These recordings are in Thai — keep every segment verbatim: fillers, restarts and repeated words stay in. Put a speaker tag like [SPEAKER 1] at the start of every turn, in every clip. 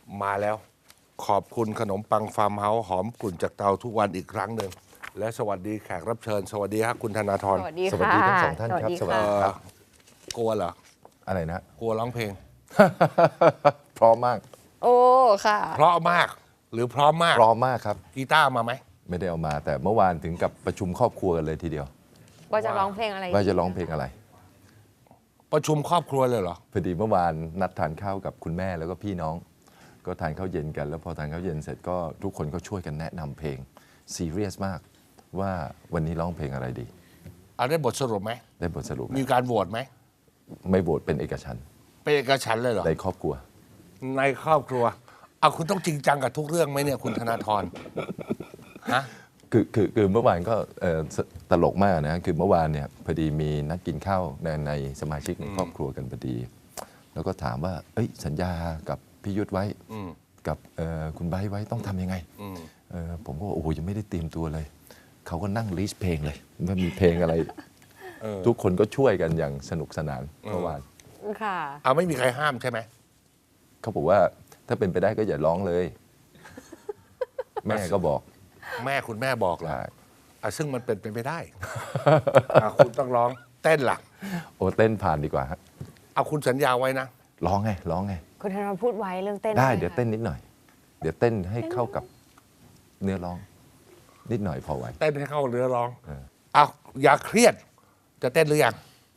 [SPEAKER 1] มาแล้ว ขอบคุณขนมปังฟาร์มเฮาส์หอมกลุ่นจากเตาทุกวันอีกครั้งหนึ่งและสวัสดีแขกรับเชิญ สวัสดีครับคุณธนาธร
[SPEAKER 2] สวัสดี
[SPEAKER 3] สวัส
[SPEAKER 2] ค่ะ
[SPEAKER 3] ดีทั้งสองท่านครับ
[SPEAKER 2] สวัสดี
[SPEAKER 3] สวัสดี
[SPEAKER 2] ค่ะ
[SPEAKER 3] ครับ
[SPEAKER 1] กลัวเหรอ
[SPEAKER 3] อะไรนะ
[SPEAKER 1] กลัวร้องเพลง
[SPEAKER 3] พร้อมมาก
[SPEAKER 2] โอ้ค่ะ
[SPEAKER 1] เพราะมากหรือพร้อมมาก
[SPEAKER 3] พร้อมมากครับ
[SPEAKER 1] กีตาร์มาไหม
[SPEAKER 3] ไม่ได้เอามา แต่เมื่อวานถึงกับประชุมครอบครัวกันเลยทีเดียว
[SPEAKER 2] ว่าจะร้องเพลงอะไร
[SPEAKER 3] ว่าจะร้องเพลงอะไร
[SPEAKER 1] ประชุมครอบครัวเลยเหรอ
[SPEAKER 3] พอดีเมื่อวานนัดทานข้าวกับคุณแม่แล้วก็พี่น้อง ก็ทานข้าวเย็นกัน แล้วพอทานข้าวเย็นเสร็จก็ทุกคนก็ช่วยกันแนะนำเพลงซีเรียสมากว่าวันนี้ร้องเพลงอะไรดี
[SPEAKER 1] เอาได้บทสรุปไหม
[SPEAKER 3] ได้บทสรุป
[SPEAKER 1] มี
[SPEAKER 3] นะ
[SPEAKER 1] การโหวตไหม
[SPEAKER 3] ไม่โหวตเป็นเอกฉันท์
[SPEAKER 1] เป็นเอกฉันท์เลยเหรอ
[SPEAKER 3] ในครอบครัว
[SPEAKER 1] ในครอบครัวเอาคุณต้องจริงจังกับทุกเรื่องไหมเนี่ยคุณธนาธรฮะ
[SPEAKER 3] คือคือคือเมื่อวานก็เอ่อสตลกมากนะคือเมื่อวานเนี่ยพอดีมีนัดกินข้าวในในสมาชิกในครอบครัวกันพอดี แล้วก็ถามว่าเอ้ยสัญญากับพี่ยุทธไว้
[SPEAKER 1] อืม
[SPEAKER 3] กับเอ่อคุณไบร์ทไว้ต้องทำยังไง
[SPEAKER 1] อืม
[SPEAKER 3] เอ่อผมก็โอ้โหยังไม่ได้เตรียมตัวเลย เขาก็นั่งลิสต์เพลงเลยว่ามีเพลงอะไร
[SPEAKER 1] เออ
[SPEAKER 3] ทุกคนก็ช่วยกันอย่างสนุกสนาน
[SPEAKER 1] เออ
[SPEAKER 3] เมื่อวาน
[SPEAKER 2] ค่ะ
[SPEAKER 1] เอาไม่มีใครห้ามใช่ไหม
[SPEAKER 3] เขาบอกว่าถ้าเป็นไปได้ก็อย่าร้องเลย แม่ก็บอก
[SPEAKER 1] แม่คุณแม่บอกเหรอ
[SPEAKER 3] ใช่
[SPEAKER 1] อ่ะซึ่งมันเป็นไปไม่ได้ อ่ะคุณต้องร้องเต้นล่ะ
[SPEAKER 3] โอ้เต้นผ่านดีกว่าฮะ
[SPEAKER 1] เอาคุณสัญญาไว้นะ
[SPEAKER 3] ร้องไงร้องไง
[SPEAKER 2] คุณธนาพูดไว้เรื่องเต้น
[SPEAKER 3] ได้
[SPEAKER 2] หม
[SPEAKER 3] เดี๋ยว
[SPEAKER 2] คะ
[SPEAKER 3] เต้นนิดหน่อย เดี๋ยวเต้นให้เข้ากับเนื้อร้อง นิดหน่อยพอไหว
[SPEAKER 1] เต้นให้เข้าเรือร้อง
[SPEAKER 3] เออ
[SPEAKER 1] เอาอย่าเครียด จะเต้นหรือยัง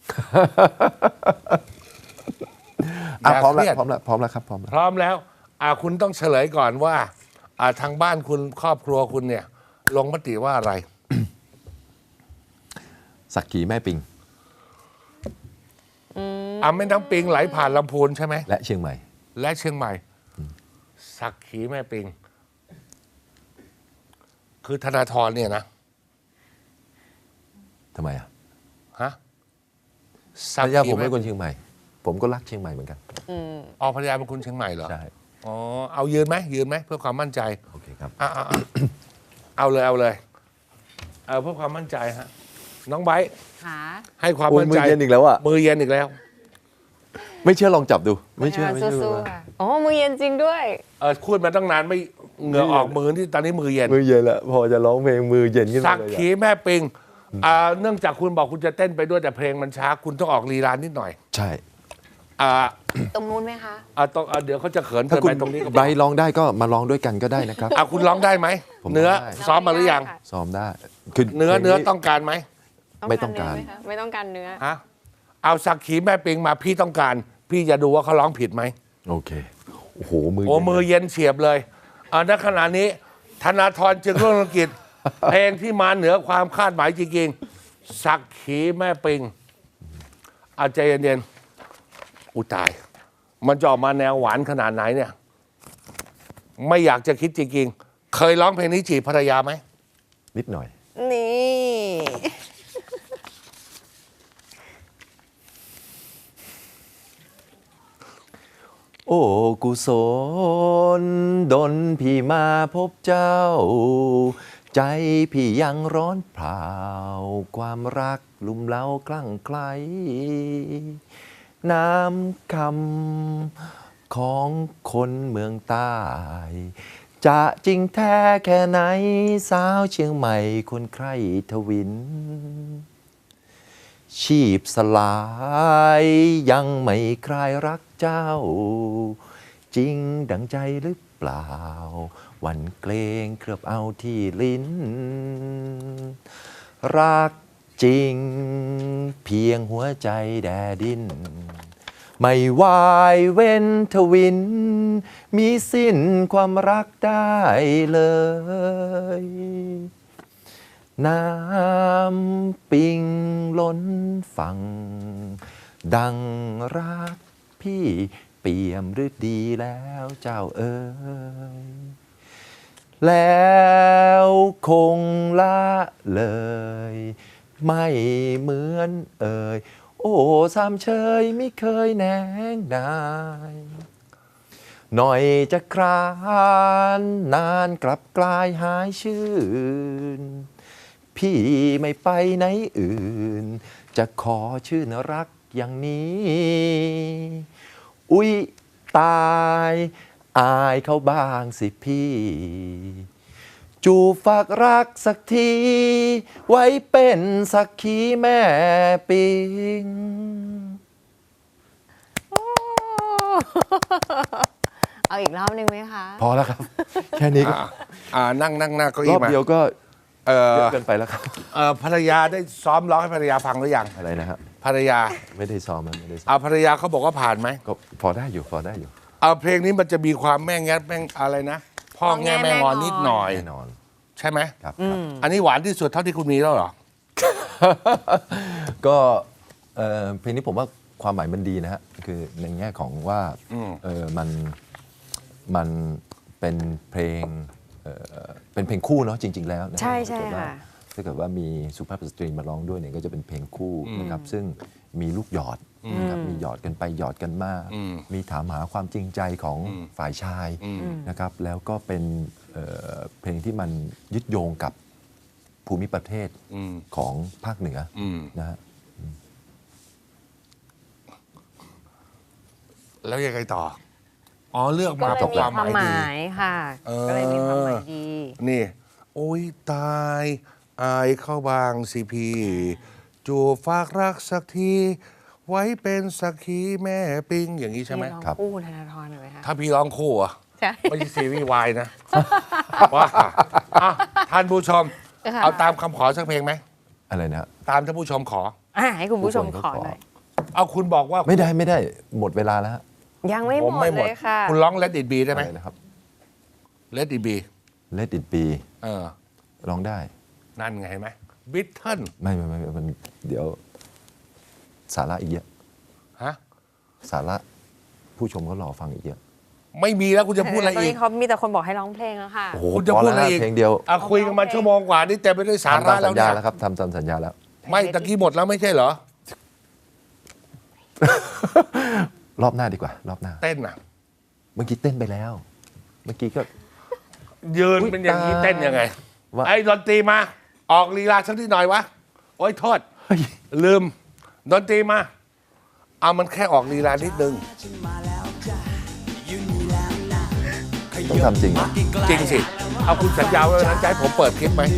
[SPEAKER 3] อ่ะ
[SPEAKER 1] อย่า
[SPEAKER 3] พร้อม
[SPEAKER 1] เครี
[SPEAKER 3] แล้
[SPEAKER 1] ยด
[SPEAKER 3] วพร้อมแล้วพร้อมแล้วครับพร้อมแล้ว
[SPEAKER 1] พร้อมแล้วอ่าคุณต้องเฉลยก่อนว่าอ่าทางบ้านคุณครอบครัวคุณเนี่ย ลงมติว่าอะไร
[SPEAKER 3] สักขีแม่ปิง
[SPEAKER 1] อ่าแม่น้ำปิงไหลผ่านลำพูนใช่ไหม
[SPEAKER 3] และเชียงใหม่
[SPEAKER 1] และเชียงใหม่ สักขีแม่ปิง คือธนาธรเนี่ยนะ
[SPEAKER 3] ทำไมอ่ะ
[SPEAKER 1] ฮะ
[SPEAKER 3] ภรรยาผมเป็นคนเชียงใหม่ ผมก็รักเชียงใหม่เหมือนกัน
[SPEAKER 1] อ๋อภรรยาเป็นคนเชียงใหม่เหรอ
[SPEAKER 3] ใช่
[SPEAKER 1] อ๋อเอายืนไหมยืนไหมเพื่อความมั่นใจ
[SPEAKER 3] โอเคครับ
[SPEAKER 1] อ่ะอ่ะอ่ะ เอาเลยเอาเลยเอาเพื่อความมั่นใจฮะน้องไบร์ท
[SPEAKER 2] ค่ะ
[SPEAKER 1] ให้ความ
[SPEAKER 3] โอ้ย
[SPEAKER 1] มั่น
[SPEAKER 3] มื
[SPEAKER 1] ใจ
[SPEAKER 3] อเย็นอีกแล้วอ่ะ
[SPEAKER 1] มือเย็นอีกแล้ว
[SPEAKER 3] ไม่เชื่อลองจับดู ไม่เชื่อไม่
[SPEAKER 2] สู้
[SPEAKER 3] เชื่อ
[SPEAKER 2] ๆค่ะอ๋อมือเย็นจริงด้วย
[SPEAKER 1] เออพูดมาตั้งนานไม่เหงื่อออกมือที่ตอนนี้มือเย็น
[SPEAKER 3] มือเย็นแล้วพอจะร้องเพลงมือเย็นขึ้น
[SPEAKER 1] สั
[SPEAKER 3] มาก เลย
[SPEAKER 1] ขี
[SPEAKER 3] อะ
[SPEAKER 1] แม่ปิงอ่าเนื่องจากคุณบอกคุณจะเต้นไปด้วยแต่เพลงมันช้า คุณต้องออกลีลานิดหน่อย
[SPEAKER 3] ใช่
[SPEAKER 1] อ่า
[SPEAKER 2] ตรงนู้นไหมคะ
[SPEAKER 1] อ่าต้องอ่าเดี๋ยวเขาจะเขิน
[SPEAKER 3] ถ้า
[SPEAKER 1] เกิน
[SPEAKER 3] คุณ
[SPEAKER 1] ไปตรงนี้ก็บ
[SPEAKER 3] ไบ
[SPEAKER 1] อก
[SPEAKER 3] ร์ทร้องได้ก็มาร้องด้วยกันก็ได้นะครับ
[SPEAKER 1] อ่าคุณร้องได้ไหม
[SPEAKER 3] ผม
[SPEAKER 1] เนื้อ
[SPEAKER 3] ร้องได้
[SPEAKER 1] ซ้อมมาหรือยัง
[SPEAKER 2] ค่ะ
[SPEAKER 3] ซ้อมได้คือ
[SPEAKER 1] เนื้อ
[SPEAKER 3] พลง
[SPEAKER 1] เนื้อต้องการไหม
[SPEAKER 3] ไม่ต้องการ
[SPEAKER 2] เนื้ไหมคะไม่ต้องการเนื้อ
[SPEAKER 1] ฮะเอาสักขีแม่ปิงมาพี่ต้องการ พี่จะดูว่าเขาร้องผิดไหม
[SPEAKER 3] โอเค โอ้โห มือ
[SPEAKER 1] โอ้
[SPEAKER 3] เย็น
[SPEAKER 1] มือเย็นเฉียบเลยอ่าณขณะนี้ ธนาธรจึงรุ่งเรืองกิจ เพลงที่มาเหนือความคาดหมายจริงๆสักขีแม่ปิงเอาใจเย็นๆอุยตาย มันจะออกมาแนวหวานขนาดไหนเนี่ย ไม่อยากจะคิดจริงๆ เคยร้องเพลงนี้จีบภรรยาไหม
[SPEAKER 3] นิดหน่อย
[SPEAKER 2] นี่
[SPEAKER 3] โอ้กุศลดนพี่มาพบเจ้า ใจพี่ยังร้อนเผาความรักลุ่มเล้าคลั่งไคล้น้ำคำของคนเมืองใต้ จะจริงแท้แค่ไหนสาวเชียงใหม่คนใคร่ทวิน ชีพสลายยังไม่คลายรักเจ้า จริงดังใจหรือเปล่า วันเกรงเคลือบเอาที่ลิ้น รักจริงเพียงหัวใจแดดิน ไม่วายเว้นทวิน มีสิ้นความรักได้เลย น้ำปิงล้นฝั่งดังรักพี่เปี่ยมฤดีแล้วเจ้าเอ๋ยแล้วคงละเลย ไม่เหมือนเอ่ยโอ้สามเชยไม่เคยแนงนายหน่อยจะครานนานกลับกลายหายชื่น พี่ไม่ไปไหนอื่น จะขอชื่นรักอย่างนี้ อุ๊ยตายอายเขาบ้างสิพี่ จูบฝากรักสักที ไว้เป็นสักขีแม่ปิง
[SPEAKER 2] โอ้เอาอีกรอบหนึ่งไหมคะ
[SPEAKER 3] พอแล้วครับ แค่นี้ก็
[SPEAKER 1] อ่าอ่านั่งนั่งหน้าเก้าร
[SPEAKER 3] อ
[SPEAKER 1] อี้
[SPEAKER 3] บ
[SPEAKER 1] มา
[SPEAKER 3] เดียวก็
[SPEAKER 1] เออ
[SPEAKER 3] เยอะเกินไปแล้วครับ
[SPEAKER 1] เออภรรยาได้ซ้อมร้องให้ภรรยาฟังหรือยัง
[SPEAKER 3] อะไรนะครับ
[SPEAKER 1] ภรรยา
[SPEAKER 3] ไม่ได้ซ้อมมันไม่ได้ซ้อม
[SPEAKER 1] เอาภรรยาเขาบอกว่าผ่านไหม
[SPEAKER 3] ก็พอได้อยู่พอได้อยู่
[SPEAKER 1] เอาเพลงนี้มันจะมีความแม่แง่แม่งอะไรนะ พ่อแง่แม่งอนนิดหน่อย
[SPEAKER 3] แน่นอน
[SPEAKER 1] ใช่ไหม
[SPEAKER 3] ครับครับ
[SPEAKER 1] อันนี้หวานที่สุดเท่าที่คุณมีแล้วเหรอ
[SPEAKER 3] ก็เอ่อเพลงนี้ผมว่าความหมายมันดีนะฮะคือในแง่ของว่า
[SPEAKER 1] อืม
[SPEAKER 3] เออมันมันเป็นเพลงเอ่อเป็นเพลงคู่เนาะจริง ๆ แล้วนะ
[SPEAKER 2] ใช่ใช่
[SPEAKER 3] ถ้าเกิดว่า
[SPEAKER 2] ค่ะ
[SPEAKER 3] ถ้าเกิดว่ามีสุภาพสตรีมาร้องด้วยเนี่ยก็จะเป็นเพลงคู่นะครับซึ่งมีลูกหยอดนะครับมีหยอดกันไปหยอดกันมา
[SPEAKER 1] อืม
[SPEAKER 3] มีถามหาความจริงใจของฝ่ายชายนะครับแล้วก็เป็นเอ่อเพลงที่มันยึดโยงกับภูมิประเทศ
[SPEAKER 1] อืม
[SPEAKER 3] ของภาคเหนืออ
[SPEAKER 1] อืม
[SPEAKER 3] นะฮะ
[SPEAKER 1] แล้วยังไงต่อ อ๋อเลือก
[SPEAKER 2] ก็
[SPEAKER 1] มา
[SPEAKER 2] เลย
[SPEAKER 1] เพราะ
[SPEAKER 2] มี
[SPEAKER 1] ความ
[SPEAKER 2] ความ
[SPEAKER 1] หมาม
[SPEAKER 2] หาย ยค่ะ
[SPEAKER 1] เออ
[SPEAKER 2] ก็เลยมีความหมายดี
[SPEAKER 1] ดีนี่ โอ้ยตายอายเข้าบางสิพี่จูบฝากรักสักที ไว้เป็นสักขีแม่ปิงอย่างนี้ใช่ไหม
[SPEAKER 2] พี่ลอง
[SPEAKER 3] ครับ
[SPEAKER 2] คู่ธนาธรหน่อยไหมคะ
[SPEAKER 1] ถ้าพี่ร้องคู่อะ
[SPEAKER 2] ใช่
[SPEAKER 1] ไม่ใช่ซีรีส์วายนะ ว่าอ่ะท่านผู้ชม
[SPEAKER 2] ค่ะ
[SPEAKER 1] เอาตามคำขอสักเพลงไหม
[SPEAKER 3] อะไรนะฮะ
[SPEAKER 1] ตามท่านผู้ชมขอ
[SPEAKER 2] อ่าให้คุณผู้ชม
[SPEAKER 3] ทุกคน
[SPEAKER 2] ขอ
[SPEAKER 3] ก็ขอ
[SPEAKER 2] หน่อย
[SPEAKER 1] เอาคุณบอกว่า
[SPEAKER 3] ไม่ได้ไม่ได้หมดเวลาแล้วฮะ
[SPEAKER 2] ยังไม่
[SPEAKER 1] ผ
[SPEAKER 2] ห
[SPEAKER 1] ม
[SPEAKER 2] มด
[SPEAKER 1] ไม่หม
[SPEAKER 2] เล
[SPEAKER 1] ด
[SPEAKER 2] ยค่ะ
[SPEAKER 1] คุณร้อง Let It Be ได้ไหม
[SPEAKER 3] อะไรนะครับ
[SPEAKER 1] Let It Be
[SPEAKER 3] Let it be
[SPEAKER 1] เออ
[SPEAKER 3] ร้องได้
[SPEAKER 1] นั่นไงเห็นไหมบิทเทิล
[SPEAKER 3] ไม่ไม่ไม่มันเดี๋ยวสาระอีกเยอะ
[SPEAKER 1] ฮะ
[SPEAKER 3] สาระผู้ชมก็รอฟังอีกเยอะ
[SPEAKER 1] ไม่มีแล้วคุณจะพูดอะไร
[SPEAKER 2] ตอน
[SPEAKER 1] อีก
[SPEAKER 2] นี้เขามีแต่คนบอกให้ร้องเพลงแล้วค่ะ
[SPEAKER 3] โอ้โห
[SPEAKER 1] คุณจะ
[SPEAKER 3] พอ
[SPEAKER 1] พูด
[SPEAKER 3] แล้ว
[SPEAKER 1] อะไร
[SPEAKER 3] ฮะ
[SPEAKER 1] อีก
[SPEAKER 3] เพลงเดียว
[SPEAKER 1] อ่ะคุยกันมาชั่วโมงกว่านี่เต็มไปด้วยสา
[SPEAKER 3] ทำ
[SPEAKER 1] ระ
[SPEAKER 3] ตาม
[SPEAKER 1] แล้
[SPEAKER 3] สั
[SPEAKER 1] ว
[SPEAKER 3] ญ
[SPEAKER 1] เนี่
[SPEAKER 3] ญาย แล้วครับทำตามสัญญาแล้ว
[SPEAKER 1] ไม่ตะกี้หมดแล้วไม่ใช่เหรอ
[SPEAKER 3] รอบหน้าดีกว่า รอบหน้า
[SPEAKER 1] เต้นอ่ะ
[SPEAKER 3] เมื่อกี้เต้นไปแล้ว เมื่อกี้ก็
[SPEAKER 1] ยืน
[SPEAKER 3] อุ๊ย
[SPEAKER 1] เป็นอย่างนี้
[SPEAKER 3] ตาย
[SPEAKER 1] เต้นยังไง
[SPEAKER 3] ว่า
[SPEAKER 1] ไอ้ดนตรีมา ออกลีลาสักนิดหน่อยวะ โอ้ยโทษ
[SPEAKER 3] เฮ้ย
[SPEAKER 1] ลืม ดนตรีมา เอามันแค่ออกลีลานิดนึง
[SPEAKER 3] ต้องทำจริงเหรอ
[SPEAKER 1] จริงสิ เอาคุณสัญญาไว้วันนั้นจะให้ผมเปิดคลิปไหม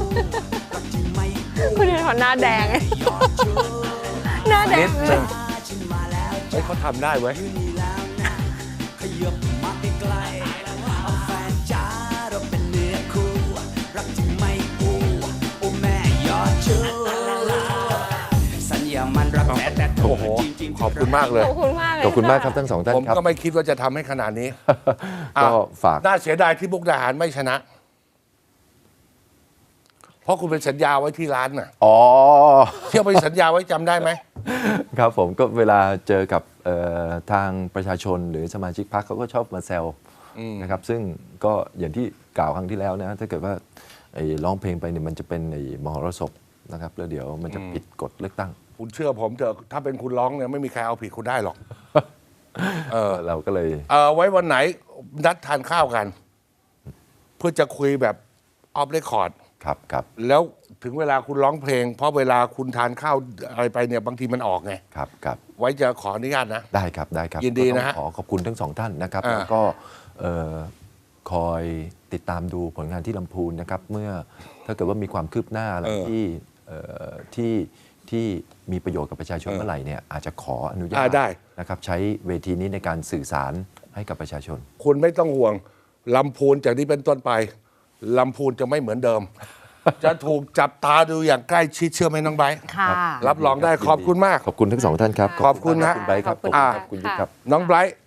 [SPEAKER 2] คุณธนาธรหน้าแดง หน้าแด
[SPEAKER 1] นิ
[SPEAKER 2] ง
[SPEAKER 1] ด
[SPEAKER 2] เล
[SPEAKER 1] นึ
[SPEAKER 2] ย
[SPEAKER 1] งเฮ้ยเขาทำได้เว้ย
[SPEAKER 4] สัญญามันรักแท้แต่
[SPEAKER 1] โอ้โห ขอบคุณมากเลย
[SPEAKER 2] ขอบคุณมากเลย
[SPEAKER 3] ขอบคุณมากครับทั้งสองท่าน
[SPEAKER 1] ผม
[SPEAKER 3] ครับ
[SPEAKER 1] ก็ไม่คิดว่าจะทำให้ขนาดนี้
[SPEAKER 3] ก็
[SPEAKER 1] อ่ะ
[SPEAKER 3] ฝาก
[SPEAKER 1] น่าเสียดายที่มุกดาหารไม่ชนะ เพราะคุณเป็นสัญญาไว้ที่ร้านน่ะ
[SPEAKER 3] อ๋อ
[SPEAKER 1] เที่ยวไปสัญญาไว้จำได้ไหม
[SPEAKER 3] ครับผมก็เวลาเจอกับเอ่อทางประชาชนหรือสมาชิกพรรคเขาก็ชอบมาแซวนะครับซึ่งก็อย่างที่กล่าวครั้งที่แล้วนะถ้าเกิดว่าไอ้ร้องเพลงไปเนี่ยมันจะเป็นไอ้มหรสพนะครับแล้วเดี๋ยวมันจะผิดกฎเลือกตั้ง
[SPEAKER 1] คุณเชื่อผมเถอะถ้าเป็นคุณร้องเนี่ยไม่มีใครเอาผิดคุณได้หรอก เออ
[SPEAKER 3] เราก็เลย
[SPEAKER 1] เออไว้วันไหนนัดทานข้าวกัน เพื่อจะคุยแบบออฟเรคคอร์ด
[SPEAKER 3] ครับครับ
[SPEAKER 1] แล้วถึงเวลาคุณร้องเพลง เพราะเวลาคุณทานข้าวอะไรไปเนี่ยบางทีมันออกไง
[SPEAKER 3] ครับครับ
[SPEAKER 1] ไว้จะขออนุญาตนะ
[SPEAKER 3] ได้ครับได้ครับ
[SPEAKER 1] ยินดีนะฮะ
[SPEAKER 3] ก็ต้องขอขอบคุณทั้งสองท่านนะครับ
[SPEAKER 1] อ่า
[SPEAKER 3] แล้วก็เอ่อคอยติดตามดูผลงานที่ลำพูนนะครับ เมื่อถ้าเกิดว่ามีความคืบหน้าอะไรที่เอ่อที่ที่มีประโยชน์กับประชาชนเมื่อไหร่เนี่ยอาจจะขออนุญา
[SPEAKER 1] อ่า
[SPEAKER 3] ต
[SPEAKER 1] ได้
[SPEAKER 3] นะครับใช้เวทีนี้ในการสื่อสารให้กับประชาชน
[SPEAKER 1] คุณไม่ต้องห่วงลำพูนจากนี้เป็นต้นไปลำพูนจะไม่เหมือนเดิม จะถูกจับตาดูอย่างใกล้ชิดเชื่อไหมน้องไบร์ท
[SPEAKER 2] ค่ะ
[SPEAKER 1] รับรองได้ขอบคุณมาก
[SPEAKER 3] ขอบคุณทั้งสองท่านครับ
[SPEAKER 1] ขอบคุณ
[SPEAKER 3] มาก
[SPEAKER 1] นะ
[SPEAKER 3] คุณไบร์ทครับขอบคุณครับคุณยุทธครับ
[SPEAKER 1] น้องไบรท์